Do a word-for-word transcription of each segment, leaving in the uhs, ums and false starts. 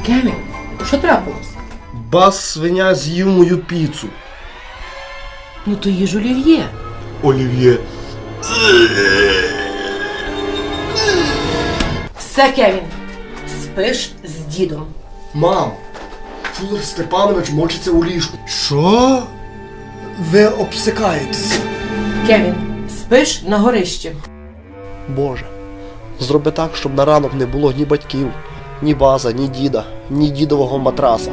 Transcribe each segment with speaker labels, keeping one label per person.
Speaker 1: Кевін, що трапилось?
Speaker 2: Бас свиня з'їв мою піцу.
Speaker 1: Ну то їж олів'є.
Speaker 2: Олів'є.
Speaker 1: Все, Кевін, спиш з дідом.
Speaker 2: Мам, Фулер Степанович мочиться у ліжку. Що? Ви обсикаєтесь.
Speaker 1: Кевін, спиш на горищі.
Speaker 2: Боже, зроби так, щоб на ранок не було ні батьків, ні база, ні діда, ні дідового матраса.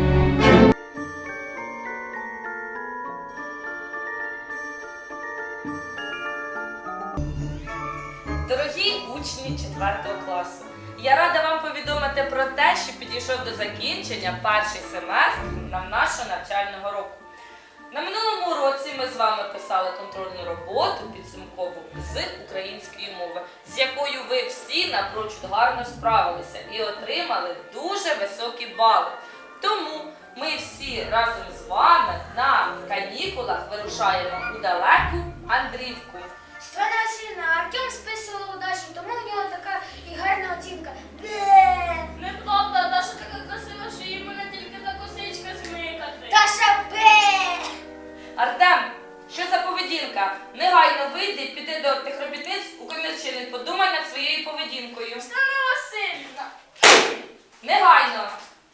Speaker 3: Дорогі учні четвертого класу, я рада вам повідомити про те, що підійшов до закінчення перший семестр нашого навчального року. На минулому уроці ми з вами писали контрольну роботу підсумкову з української мови, з якою ви всі напрочуд гарно справилися і отримали дуже високі бали. Тому ми всі разом з вами на канікулах вирушаємо у далеку Андрівку.
Speaker 4: Світлана Васильівна, Артем списував удачу, тому у нього така і гарна оцінка. Бе!
Speaker 5: Неправда, Даша така красива, що їй мене тільки за косичка змикати.
Speaker 4: Даша бе!
Speaker 3: Артем, що за поведінка? Негайно вийди, піди до тих робітниць у комірчини, подумай над своєю поведінкою.
Speaker 5: Світлана Васильівна!
Speaker 3: Негайно!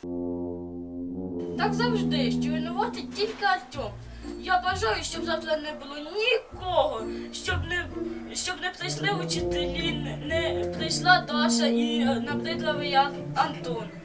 Speaker 5: Так завжди, що винуватить тільки Артем. Я бажаю, щоб завтра не було нікого, щоб не, щоб не прийшли учителі, не, не прийшла Даша і набридливий Антон.